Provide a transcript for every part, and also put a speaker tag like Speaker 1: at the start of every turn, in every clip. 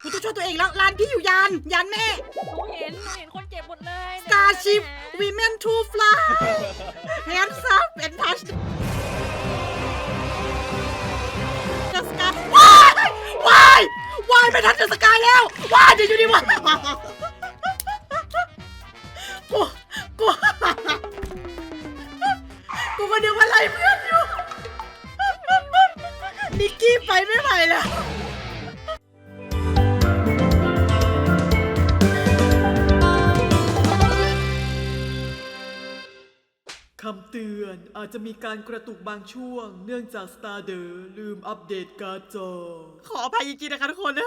Speaker 1: กูต้องช่วยตัวเองแล้วร้านพี่อยู่ยานแม่
Speaker 2: หนูเห็นคนเจ็บหมดเลย
Speaker 1: Starship Women to Fly Hands up and touch the sky ว้ายไม่ทันจะสกายแล้วว้ายเดี๋ยวอยู่ดีวะกูมาเดี๋ยวอะไรเพื่อนอยู่นิกกี้ไปไม่ไหวแล้วคำเตือนอาจจะมีการกระตุกบางช่วงเนื่องจาก Starder ลืมอัปเดตการ์ดจอขออภัยจริงๆนะคะทุกคน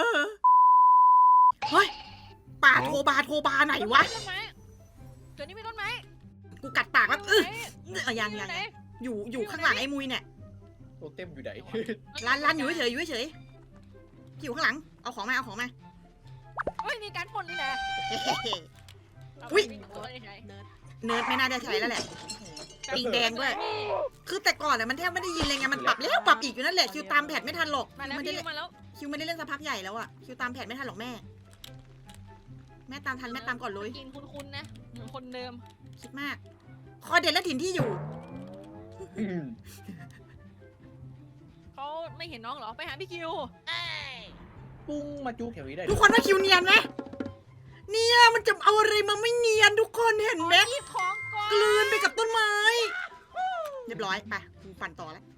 Speaker 1: เฮ้ยป่าโทบาไหนวะ
Speaker 2: ต้นไม้ตัวนี้มีต้นไม้
Speaker 1: กูกัดปากแล้วยังอยู่ข้างหลังไอ้มุยเนี่ย
Speaker 3: โตเต็มอยู่ไหน
Speaker 1: ร้านอยู่เฉยอยู่ข้างหลังเอาของมา
Speaker 2: เฮ้ยมีการปนนี่แหละ
Speaker 1: อุ๊ย
Speaker 2: เนิร์ด
Speaker 1: เนิร์ดไม่น่าจะใช้แล้วแหละปิงแดงด้วยคือแต่ก่อนมันแทบไม่ได้ยินเลยไงมันปรับแล้วปรับอีกอยู่นั่นแหละคิวตามแพทไม่ทันหรอก
Speaker 2: มาแล้วพี่มาแล้ว
Speaker 1: คิวไม่ได้เล่นสักพักใหญ่แล้วอะคิวตามแพทไม่ทันหรอกแม่ตามทันแม่ตามก่อนเลย
Speaker 2: กินคุ้นๆนะเหมือนคนเดิม
Speaker 1: คิดมากคอเด็ดและถิ่นที่อยู่
Speaker 2: เขาไม่เห็นน้องเหรอไปหาพี่คิว
Speaker 3: ปุ้งมาจุกแถวนี้ได้
Speaker 1: ทุกคนว่าคิวเนียนไหมเนี่ยมันจะเอาอะไรมาไม่เนียนทุกคนเห็นไหม
Speaker 2: หยิบของก่อน
Speaker 1: กลืนไปกับต้นไม้เรียบร้อยไปกูปั่นต่อแล้ว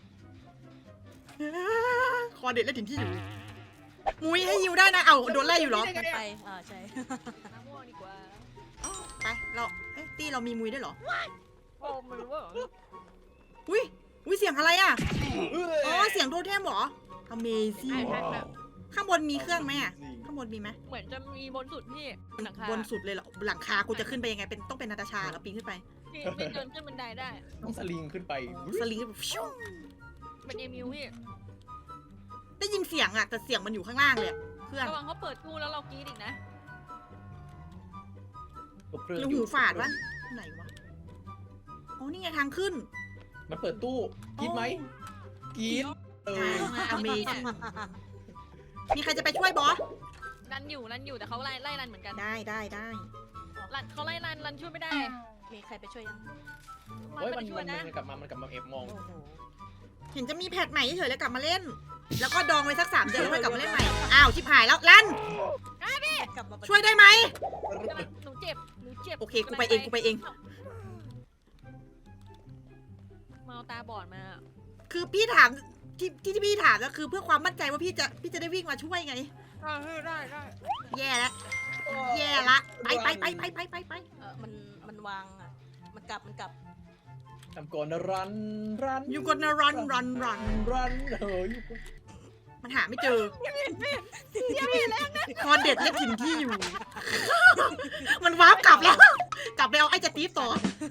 Speaker 1: คอเด็ดและถิ่นที่อยู่มุ้ยให้ยิวได้นะเอาโดนไล่อยู่เหรอ
Speaker 4: ไปใช่
Speaker 2: น้ำม่วงดีกว่า
Speaker 1: ไปเราตี้เรามีมุ้ยด้วยเหรอ
Speaker 2: โอ้ไม่รู้ว่า
Speaker 1: อุ้ยเสียงอะไรอ่ะอ๋อเสียงโทเทมเหรอ Amazing ข้างบนมีเครื่องไหมอ่ะข้างบนมีไหม
Speaker 2: เหมือนจะมีบนสุดพี่หลังคา
Speaker 1: บนสุดเลยเหรอหลังคากูจะขึ้นไปยังไงเป็นต้องเป็นนาตาชาแล้วปีนขึ้นไป
Speaker 2: พี่เดินขึ้นบันไดได้
Speaker 3: ต้องสลิงขึ้นไป
Speaker 1: สลิงแบบฟิว
Speaker 2: เป็นเอมิวพี่
Speaker 1: ได้ยินเสียงอ่ะแต่เสียงมันอยู่ข้างล่างเลยอะเครื่อง
Speaker 2: ระวังเขาเปิดตู้แล้วเรากรี๊ดอีกนะ
Speaker 3: ตัวเครื่อง
Speaker 1: หรือหูฝาดวะไหนวะอ๋อนี่ไงทางขึ้น
Speaker 3: มันเปิดตู้กินไหมกิน
Speaker 1: Amazing มีใครจะไปช่วยบอส
Speaker 2: รันอยู่แต่เขาไล่รันเหมือนกัน
Speaker 1: ได้
Speaker 2: รันเขาไล่รันช่วยไม่ได้
Speaker 4: มีใครไปช่วยยัง
Speaker 3: เฮ้ย
Speaker 2: ไม่
Speaker 3: มัน
Speaker 2: ได้ช่วยนะ
Speaker 3: กลับมาเอฟมอง
Speaker 4: โอ้โห
Speaker 1: เห็นจะมีแพทใหม่เฉยๆแล้วกลับมาเล่น แล้วก็ดองไว้สัก3 เดือนแล้วค่อยกลับมาเล่นใหม่อ้าวชิบหายแล้วลัน
Speaker 4: กลับมา
Speaker 1: ช่วยได้ไหม
Speaker 2: หนูเจ็บ
Speaker 1: โอเคกูไปเอง
Speaker 2: มาเอาตาบอดมา
Speaker 1: คือพี่ถามที่พี่ถามก็คือเพื่อความมั่นใจว่าพี่จะได้วิ่งมาช่วยไง
Speaker 2: ได้
Speaker 1: แย่แล้วแย่ละไป
Speaker 4: มันวางอ่ะมันกลับ
Speaker 3: ทำก่อนนะรัน
Speaker 1: อยู่กดนะรัน
Speaker 3: เฮ้ย
Speaker 1: มันหาไม่เจอคอเด็ดและถิ่นที่อยู่ มันวาร์ปกลับแล้ว กลับไปเอาไอ้จะตีฟต่อ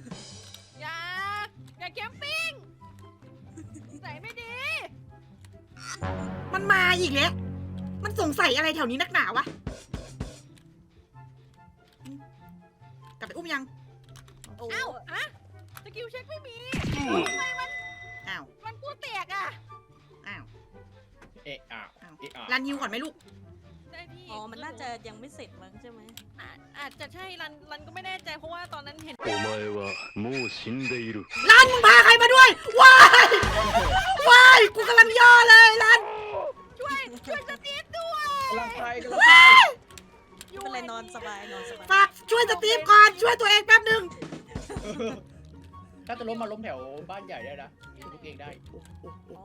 Speaker 2: อย่าแคมปิ้งใส่ไม่ดี
Speaker 1: มันมาอีกแล้วมันสงสัยอะไรแถวนี้นักหนาวะกลับไปอุ้มยัง
Speaker 4: โอ้
Speaker 2: เอ้าฮะสกิลเช็คไม่มีทำไม
Speaker 1: อ้าว
Speaker 2: มันกูแตกอ่ะ
Speaker 1: อ้าว
Speaker 3: เอะอ่ะ
Speaker 1: รันฮิวก่อนไหมลูก
Speaker 2: ได้พี่
Speaker 4: อ๋อมันน่าจะยังไม่เสร็จมั้งใช่ไหม
Speaker 2: อาจจะใช่รันก็ไม่แน่ใจเพราะว่าตอนนั้นเห็น
Speaker 5: お前はもう死んでいる。
Speaker 1: รันมึงพาใครมาด้วยว้ายกูกำลังย่อเลยรัน
Speaker 2: ช่วยสตีฟด้วย
Speaker 3: กำลังไป
Speaker 4: ไม่เป็นไรนอนสบาย
Speaker 1: ฝากช่วยสตีฟก่อนช่วยตัวเองแป๊บนึง
Speaker 3: ถ้าจะล้มมาล้มแถวบ้านใหญ่ได้นะทุกเองได้
Speaker 4: อ๋อ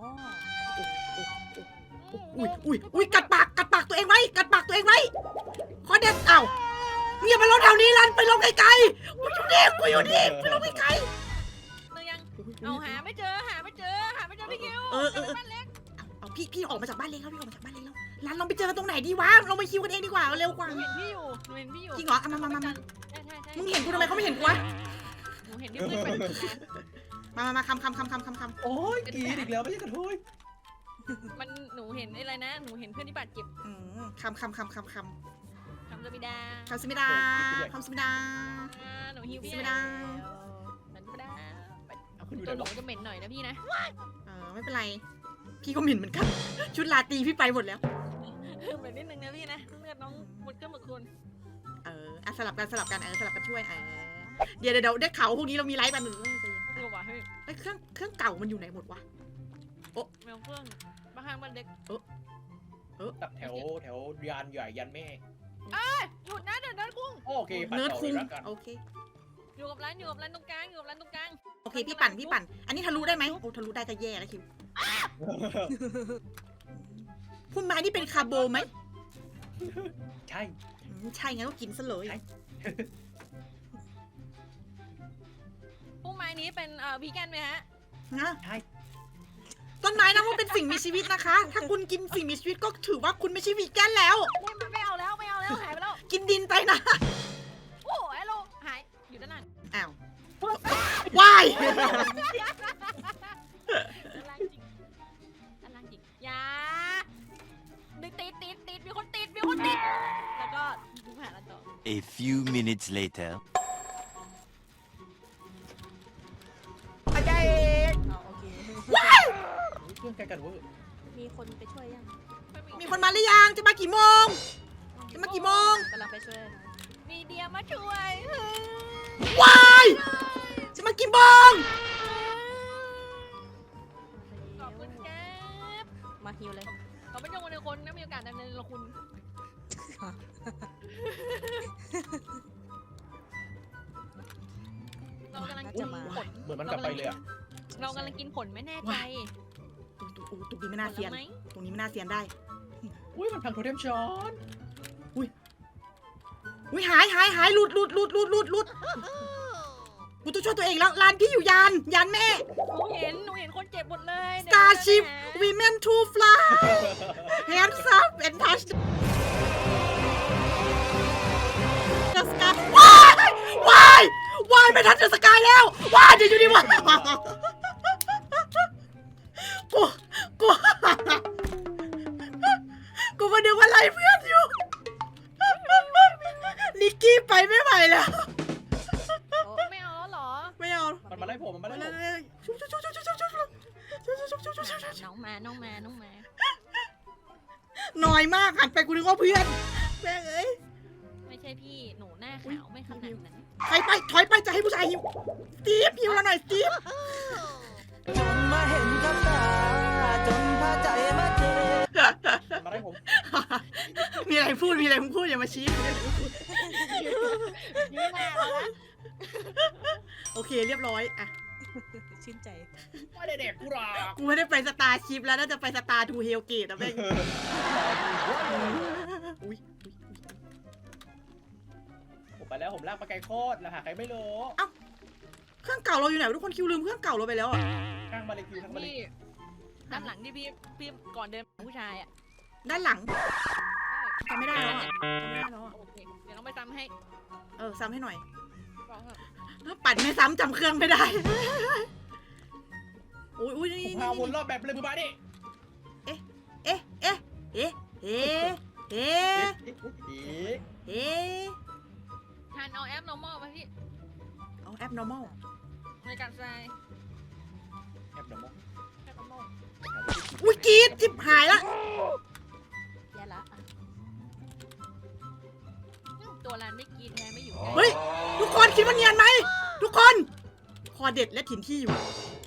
Speaker 1: อุ้ยกัดปากตัวเองไว้ขอเด็ดเอ้ามึงอย่ามาลงแถวนี้รันไปลงไกลๆกูอยู่นี่ไปลงไกล
Speaker 2: นึงยังเอาหาไม่เจอพี่คิวบ้านเล็ก
Speaker 1: ๆเอาพี่ออกมาจากบ้านเล็กแล้วรันเราไปเจอกันตรงไหนดีวะเราไปคิวกันเองดีกว่าเร็วกว่า
Speaker 2: หนูเห็นพี่อยู่
Speaker 1: จริงเหรอเอามา
Speaker 2: ใช่
Speaker 1: มึงเห็นกูทำไมเขาไม่เห็นกูวะ
Speaker 2: หนูเห็นที่เพื่อนเป็น
Speaker 1: มาคำ
Speaker 3: โอ้ยกินอีกแล้วไม่ใช่กระทุย
Speaker 2: มันหนูเห็นอะไรนะหนูเห็นเพื่อนที่บาดเจ็บ
Speaker 1: คำ
Speaker 2: คำจะมิดา
Speaker 1: คำสมิดา
Speaker 2: หนูฮิวพี่
Speaker 1: สมิดา
Speaker 2: มันไม่ได้
Speaker 3: เอาคุณอยู่
Speaker 2: ตั
Speaker 3: ไหน
Speaker 2: วหนูจะเหม็นหน่อยนะพี่นะ
Speaker 1: ไม่เป็นไรพี่ก็หมิ่นเหมือนกันชุดลาตีพี่ไปหมดแล้ว
Speaker 2: พิ่มไปนิดนึงนะพี่นะเลือดน้องหมดเครื่องหมดคุณ
Speaker 1: อ่ะสลับกันสลับกันสลับกันช่วยเดี๋ยวได้ข่าวพวกนี้เรามีไลฟ์กันหนึ่ง
Speaker 2: เออว่ะเฮ้ย
Speaker 1: เฮ้ยเครื่องเก่ามันอยู่ไหนหมดวะ
Speaker 2: แมวเครื่องบ้านข้างบ้านเล็ก
Speaker 3: ตัดแถวยานใหญ่ยันแม่
Speaker 2: หยุดนะเดี๋ยวเดินกุ้ง
Speaker 3: โอเคปัด
Speaker 1: เนิร์ด
Speaker 3: ต่อ
Speaker 1: คุง
Speaker 3: เลยละกัน
Speaker 1: โอเค
Speaker 2: อยู่กับร้านตรงกลางอยู่กับร้านตรงกลาง
Speaker 1: โอเคพี่ปั่นอันนี้ทะลุได้ไหมโอ้ทะลุได้ก็แย่แล้วคิวคุณไม้นี่เป็นคาร์โบไหม
Speaker 3: ใช่
Speaker 1: ใช่งั้นก็กินซะเลย
Speaker 2: พุ่มไม้นี้เป็นวีแกนไหมฮะ
Speaker 1: นะ
Speaker 3: ใช่
Speaker 1: ต้นไม้นะว่าเป็นสิ่งมีชีวิตนะคะ ถ้าคุณกินสิ่งมีชีวิตก็ถือว่าคุณไม่ใช่วีแกนแล้ว
Speaker 2: ไม่เอาแล้วหายไปแล้ว
Speaker 1: กินดินไปนะ
Speaker 2: โอ้ไอ้โลหายอยู่ด้านหลัง
Speaker 1: อ้าววาย
Speaker 2: ด้านล่างจริงอย่าติดมีคนติดแล้วก็ดูหาแล้วต่อ
Speaker 5: A few minutes later.
Speaker 4: เอาโอเค
Speaker 3: เครื่องไกลกันเวอร์
Speaker 4: มีคนไปช่วยยัง
Speaker 1: มีคนมาหรือยังจะมากี่โมง จะมากี่โมง
Speaker 4: กำลังไปช่วยนะ
Speaker 2: มีเดียมาช่วย
Speaker 1: วายจะมากี่โมง
Speaker 2: ขอบคุณแก๊บ
Speaker 4: มาฮิวเลย
Speaker 2: ขอบคุณยังวันในคนนะมีโอกาสดำเนินละคุณเรากำลัง
Speaker 4: น่า
Speaker 2: กิ
Speaker 4: จะ
Speaker 2: น
Speaker 4: มา
Speaker 2: ผล
Speaker 3: เหมือนมันกลับไปเลยอะ
Speaker 2: เรากำลังกินผลไม่แน่ใจ
Speaker 1: ตรงนี้ไม่น่าเซียน
Speaker 2: ผลไหม
Speaker 1: ตรงนี้ไม่น่าเซียนได้
Speaker 3: อุ้ยมันพังโทเทมช้อน
Speaker 1: อุ้ยหายหลุดกูต้องช่วยตัวเองแล้วร้านพี่อยู่ยานแม่
Speaker 2: หนูเห็นคนเจ็บหมดเลย
Speaker 1: Starship Women to Fly Hands up and touch the sky ว้ายไม่ทันจะสกายแล้วว้ายเดี๋ยวอยู่ดีวะกูมาดูว่าไล่เพื่อนอยู่นิกกี้ไปไม่ไหวแล้ว
Speaker 2: ไม่เอาแล้วเหรอ
Speaker 1: ไม่เอา
Speaker 3: มันมาไล่ผมมันมาไล่ผม
Speaker 2: น้องมา
Speaker 1: น้อยมากหันไปกูนึกว่าเพื่อนแม่งเอ้ย
Speaker 2: ไม่ใช่พี่หนูหน้าขาวไม่ขนาดนั้น
Speaker 1: ถอยไปจะให้ผู้ชายหิวสตีฟหิวแล้วหน่อยสตีฟ
Speaker 6: จนมาเห็นกับตาจนพาใจมาเจอ
Speaker 3: มาไล่ผม
Speaker 1: มีอะไรพูดอย่ามาชี้
Speaker 2: ยืนหน้าแล้วนะ
Speaker 1: โอเคเรียบร้อยอ่ะ
Speaker 4: ชื่นใจ
Speaker 3: ไม่ได้เด็กกูหรอก
Speaker 1: กูไม่ได้ไปสตาร์ชิพแล้วน่าจะไปสตาร์ทูเฮลเกตอ่ะแม่งอุ้ย
Speaker 3: ผมไปแล้วผมลากปลาไก่โคตรแล้วหาใครไม่รู้
Speaker 1: เครื่องเก่าเราอยู่ไหนวะทุกคนคิวลืมเครื่องเก่าเราไปแล้วอ่ะ
Speaker 3: ข้างมาเลยคิวข้างมาเลย
Speaker 2: พี่ด้านหลังที่พี่ก่อนเดินผู้ชายอ่ะ
Speaker 1: ด้านหลังจำไม่ได้แล้วอ่ะจำไม่ได้แล้วอ่ะ
Speaker 2: โอเคเดี๋ยวน้องไปทำให้
Speaker 1: ซ้ำให้หน่อย
Speaker 2: บอกเถอะ
Speaker 1: ปั่นไม่ซ้ำจำเครื่องไม่ได้อุ้ย
Speaker 3: ผม
Speaker 1: นี่
Speaker 3: พาวนรอบแบบเลยมือมาดิ
Speaker 1: เอ๊ะ
Speaker 2: ทานเอาแอป normal ไปพี่
Speaker 1: เอาแอป normal
Speaker 2: ในการใส่
Speaker 3: แอบเดี๋ยวมอง
Speaker 2: แอป normal
Speaker 1: อุ้ยกรีดจิบหายละ
Speaker 4: แย่ละอ่ะ
Speaker 2: ตัวร้านไม่กินไงไม่อยู่
Speaker 1: เฮ้ยทุกคนคิดว่าเนียนไหมทุกคนคอเด็ดและถิ่นที่อยู่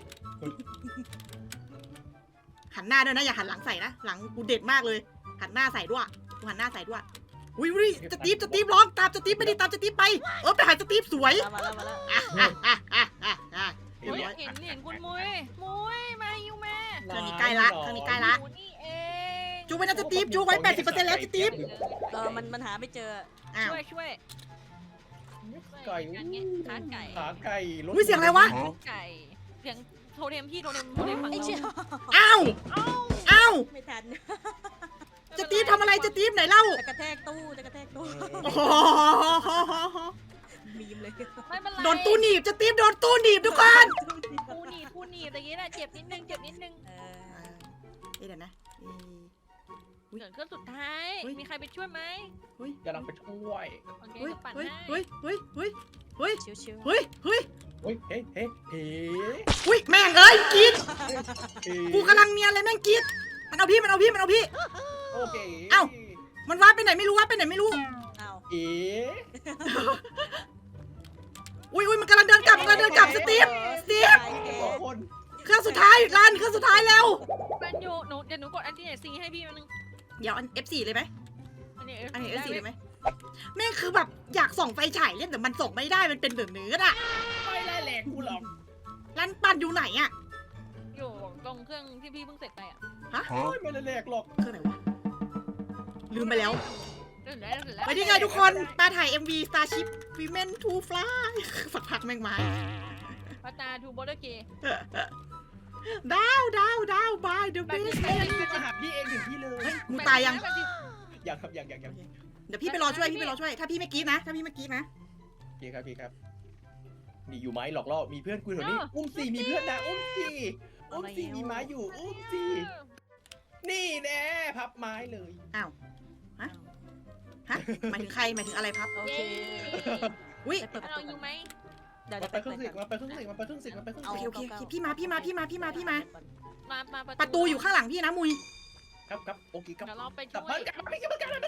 Speaker 1: หันหน้าด้วยนะอย่าหันหลังใส่นะหลังกูเด็ดมากเลยหันหน้าใส่ด้วยกูหันหน้าใส่ด้วยอุ้ยสตีฟร้องตามสตีฟไม่ได้ตามสตีฟไปไปหาสตีฟสวย
Speaker 4: มาแล้ว
Speaker 1: เรียบ
Speaker 2: เฮ้ย
Speaker 1: ร้อย
Speaker 2: เห็นคุณมุ้ยมาอยู่แม่
Speaker 1: เครื่องนี้ใกล้ละ
Speaker 2: อยู่นี่เอง
Speaker 1: จูไว้นะสตีฟจูไว้ 80%แล้วสตีฟ
Speaker 4: มันหาไม่เจอ
Speaker 1: อ้าว
Speaker 2: ช่วย
Speaker 3: ไก่
Speaker 2: การเงี้ยขาไก่
Speaker 3: ขาไก่รถ
Speaker 1: อุ้ยเสียงอะไรวะ
Speaker 2: ไก่เสียงโทเทมพี่โทเทมฝั่ง
Speaker 4: ไอ้เชี่ย
Speaker 2: เรา
Speaker 1: อ้าวอ้าว
Speaker 4: ไม่ทัน
Speaker 1: สตีฟทำอะไรสตีฟไหนเล่า
Speaker 4: จะกระแทกตู้
Speaker 1: โอ้โห
Speaker 4: มีมเลย
Speaker 2: ไม่เป็นไร
Speaker 1: โดนตู้หนีบสตีฟโดนตู้หนีบทุกคน
Speaker 2: กูหนีบอย่างงี้นะเจ็บนิดนึง
Speaker 1: เดี๋ยวนะ
Speaker 2: เหลือเครื่องสุดท้าย
Speaker 1: เฮ้ย
Speaker 2: มีใครไปช่วยไหม
Speaker 3: กำลังไปช่วย
Speaker 2: โอเค
Speaker 1: เฮ้ย
Speaker 2: ก็ปั่น
Speaker 1: เฮ้ย
Speaker 2: ให้
Speaker 1: เฮ้ย
Speaker 4: ชิว
Speaker 1: เฮ้ย
Speaker 3: เฮ้ย
Speaker 1: แม่งเอ้ยกรีด
Speaker 3: เฮ้
Speaker 1: กูกำลังเนียนเลยแม่งกรีดมันเอาพี่
Speaker 3: โอเค
Speaker 1: เอ้ามันว่าไปไหนไม่รู้ว่าไปไหนไม่รู้
Speaker 4: อ้าว
Speaker 3: เอ๋
Speaker 1: อุ้ยมันกำลังเดินกลับสตีฟ
Speaker 3: สองคน
Speaker 1: เครื่องสุดท้ายรันเครื่องสุดท้ายแล้ว
Speaker 2: มันอยู่หนูเดี๋ยวหนูกดอันที่ไหนซีให้พี่มันนึง
Speaker 1: เดี๋ยวอัน F4 เลยไหม
Speaker 2: อันนี้
Speaker 1: อันนี้ F4 เลยไหมแม่งคือแบบอยากส่องไฟฉายเล่นแต่มันส่องไม่ได้มันเป็นแบบเนื้ออะ
Speaker 3: ไม่ไล่แหลกกูหรอก
Speaker 1: รันปั่นอยู่ไหนอะ
Speaker 2: อยู่ตรงเครื่องที่พี่เพิ่งเสร็จไปอ่ะ
Speaker 3: ไม่ไล่แหลกหรอก
Speaker 1: เครื่องไหนวะลืมไปแล้ว
Speaker 2: เสร็จแล้วเสร็จแล้ว
Speaker 1: ไปที่ไงทุกคนมาถ่าย MV Starship Women to Fly สักพักแม่งมา
Speaker 2: พัตาทูบอเดอร์เกย์
Speaker 1: ดาว by the
Speaker 2: แบบนี้
Speaker 1: base
Speaker 3: พี่มาหาพี่เองถึงที่เลย
Speaker 1: เฮ้ยมึงตายยัง
Speaker 3: ยังครับยัง
Speaker 1: เดี๋ยวพี่ไปรอช่วยถ้าพี่ไม่กรี๊ดนะ
Speaker 3: โอเคครับพี่ครับนี่อยู่ไหมหลอกล่อมีเพื่อนกูแถวนี้อุ้มสี่มีเพื่อนนะอุ้มสี่มีไม้อยู่อุ้มสี่นี่แน่พับไม้เลย
Speaker 1: ฮะหมายถึงใครหมายถึงอะไรพับ
Speaker 4: โอเค
Speaker 1: อุ้ย
Speaker 4: ไปเปิดประ
Speaker 2: เรา
Speaker 4: ตู
Speaker 2: อยู่ไหม
Speaker 4: เดี๋ยว
Speaker 3: มา
Speaker 4: เดี๋ยว
Speaker 3: ไป
Speaker 4: ไป
Speaker 3: เครื่อง
Speaker 4: เปิด
Speaker 3: สิ
Speaker 4: ก่อน
Speaker 3: มาไปเครื่องสิมาไปเครื่องสิมาไปเครื่อง
Speaker 1: โอ
Speaker 3: สิ
Speaker 1: เคพี่มา
Speaker 2: มา
Speaker 1: ประตูอยู่ข้างหลังพี่นะมุย
Speaker 3: ครับโอเคครับ
Speaker 2: เดี๋ยวเราไป
Speaker 3: กลับ
Speaker 2: ช่ว
Speaker 3: บ้าย นกลับบ้านกลับบ้าน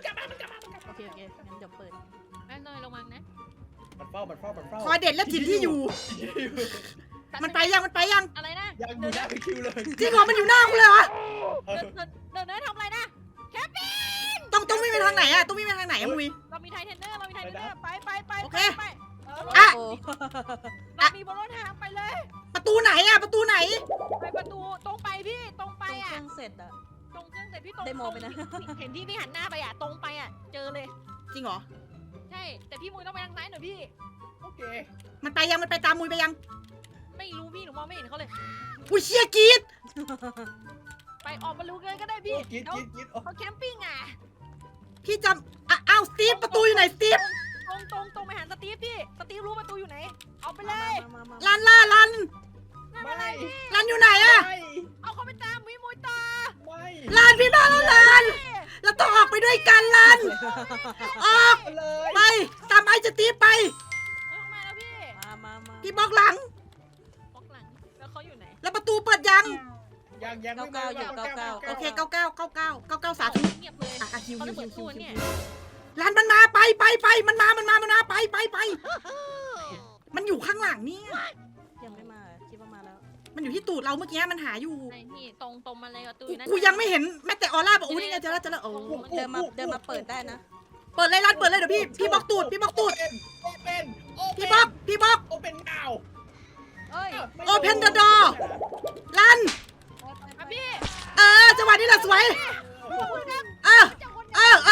Speaker 4: โอเคงั้นเดี๋ยวเปิด
Speaker 2: แม่น้อยระวังนะ
Speaker 3: มันเฝ้า
Speaker 1: คอยเด็ดและถิ่นที่อยู่ มันไปยัง
Speaker 2: อะไรนะ
Speaker 3: ยังอยู่หน้าคิวเลย
Speaker 1: จริงเหรอมันอยู่หน้าคุณเลยเหรอ
Speaker 2: เดินทำอะไรนะ
Speaker 1: ต้องวิ่งไปทางไหนอะต้องวิ่งไปทางไหนอะมุย
Speaker 2: เรามีไทเทนเนอร์ไป
Speaker 1: โอเค
Speaker 2: อ่ะ
Speaker 4: โอ้
Speaker 2: เรามีบนรถทางไปเลย
Speaker 1: ประตูไหนอะประตูไหน
Speaker 2: ไปประตูตรงไปพี่ตรงไป
Speaker 4: ตรงเค
Speaker 2: อ่ะ
Speaker 4: รื่องเสร็จอ่ะ
Speaker 2: ตรงเครื่องเสร็จพี่ตรง
Speaker 4: ได้โมไปนะ
Speaker 2: เห็นที่พี่หันหน้าไปอ่ะตรงไปอ่ะเจอเลย
Speaker 1: จริงเหรอ
Speaker 2: ใช่แต่พี่มุยต้องไปทางซ้ายหน่อยพี่
Speaker 3: โอเค
Speaker 1: มันไปยังมันไปตามมุยไปยัง
Speaker 2: ไม่รู้พี่หนูมองไม่เห็นเขาเลย
Speaker 1: อุ้ยเชียกรีด
Speaker 2: ไปออกมารู้เลยก็ได้พี่
Speaker 3: กิน
Speaker 2: เขาแคมปิ้งอ่ะ
Speaker 1: พี่จำอ้าวสตีฟประตูอยู่ไหนสตีฟ
Speaker 2: ตรงไปหาสตีฟพี่สตีฟรู้ประตูอยู่ไหนเอาไปเลย
Speaker 4: มา
Speaker 1: ลัน
Speaker 3: ไม่
Speaker 2: ไม่เป็นไรพี่
Speaker 1: ลันอยู่ไหนอะ
Speaker 2: เอาเขาไปตามพี่มุยต่อ
Speaker 3: ไม่
Speaker 1: ลันพี่มาแล้วลันเราต้องออกไปด้วยกันลันออก
Speaker 3: เลย
Speaker 1: ไปตามไอ้สตีฟไป
Speaker 2: เฮ้ยมาแล้วพี่
Speaker 4: มา
Speaker 1: พี่บล็อกหลัง
Speaker 2: บล็อกหลังแล้วเขาอยู่ไหน
Speaker 1: แล้วประตูเปิดยัง
Speaker 3: ยังไม่มา
Speaker 1: โอเค99 สาธุ
Speaker 2: เงียบเลย
Speaker 1: อ่ะคิว
Speaker 2: เขาจะเปิดตู้เนี่ย
Speaker 1: ลันมันมาไปมันมาไปมันอยู่ข้างหลังเนี่ย
Speaker 4: ยังไม่มาคิดว่ามาแล้ว
Speaker 1: มันอยู่ที่ตูดเราเมื่อกี้มันหาอยู่
Speaker 2: ไอ้นี่ตรงมาเลยประตูนั่น
Speaker 1: กูยังไม่เห็นแม้แต่ออร่าบอกอู้นี่ไงเจอแล้วโอ้
Speaker 4: เดินมาเปิดได้นะ
Speaker 1: เปิดเลยลันเปิดเลยเดี๋ยวพี่บล็อกตูด
Speaker 3: เป็น
Speaker 1: พี่บล็อก
Speaker 3: โอเป็นดาว
Speaker 4: เอ้ย
Speaker 1: Open the door ลัน
Speaker 2: อ่ะพี่
Speaker 1: จังหวะนี้แหละสวยเออ
Speaker 2: จับคน
Speaker 1: เออ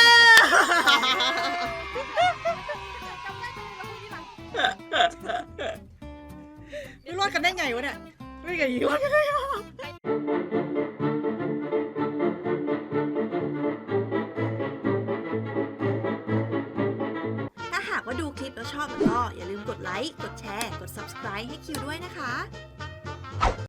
Speaker 2: จำได้จังเลยแล้วพูดที่หลัง
Speaker 1: ไม่รอดกันได้ไงวะเนี่ยไม่ไงรอดกันได้ถ้าหากว่าดูคลิปแล้วชอบก็อย่าลืมกดไลค์ กดแชร์ กด subscribe ให้คิวด้วยนะคะ